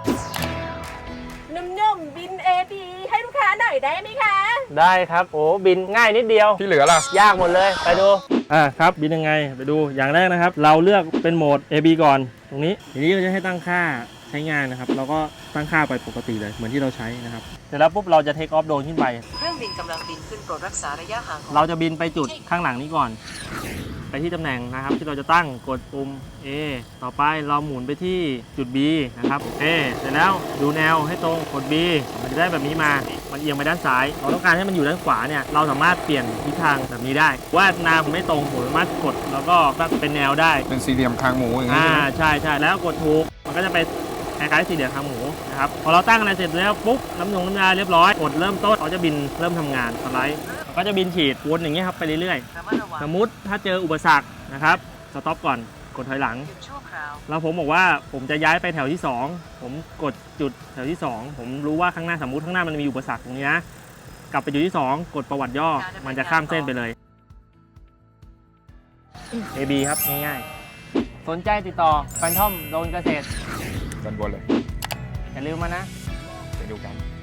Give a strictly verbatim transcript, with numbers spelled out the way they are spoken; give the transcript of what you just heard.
นุ่มๆบิน เอ บี ให้ลูกค้าหน่อยได้ไหมคะได้ครับโอ้บินง่ายนิดเดียวที่เหลือล่ะยากหมดเลยไปดูอ่าครับบินยังไงไปดูอย่างแรกนะครับเราเลือกเป็นโหมด เอ บี ก่อนตรงนี้ทีนี้เราจะให้ตั้งค่าใช้งานนะครับเราก็ตั้งค่าไปปกติเลยเหมือนที่เราใช้นะครับเสร็จแล้วปุ๊บเราจะเทคออฟโดรนขึ้นไปเครื่องบินกำลังบินขึ้นโปรดรักษาระยะห่างของเราจะบินไปจุดข้างหลังนี้ก่อนไปที่ตำแหน่งนะครับที่เราจะตั้งกดปุ่ม A ต่อไปเราหมุนไปที่จุด B นะครับ A เสร็จแล้วดูแนวให้ตรงกด B มันจะได้แบบนี้มามันเอียงไปด้านซ้ายเราต้องการให้มันอยู่ด้านขวาเนี่ยเราสามารถเปลี่ยนทิศทางแบบนี้ได้ว่าแนวผมไม่ตรงผมสามารถกดแล้วก็ตั้งเป็นแนวได้เป็นสี่เหลี่ยมคางหมูอย่างนี้อ่าใช่ไหมใช่ใช่แล้วกดถูกมันก็จะไปคล้ายๆสี่เหลี่ยมคางหมูนะครับพอเราตั้งอะไรเสร็จแล้วปุ๊บน้ำยงน้ำยาเรียบร้อยกดเริ่มต้นเขาจะบินเริ่มทำงานสไลด์มันก็จะบินฉีดวนอย่างเงี้ยครับไปเรื่อยๆระมัดระวังสมมุติถ้าเจออุปสรรคนะครับสต็อปก่อนกดถอยหลังหยุดชั่วคราวแล้วผมบอกว่าผมจะย้ายไปแถวที่สองผมกดจุดแถวที่สองผมรู้ว่าข้างหน้าสมมุติข้างหน้ามันมีอุปสรรคตรงนี้นะกลับไปจุดที่สองกดประวัติย่อมันจะข้ามเส้นไปเลย เอ บี ครับง่ายๆสนใจติดต่อแฟนทอมโดนเกษตรด้านบนเลยอย่าลืมมานะไปดูกัน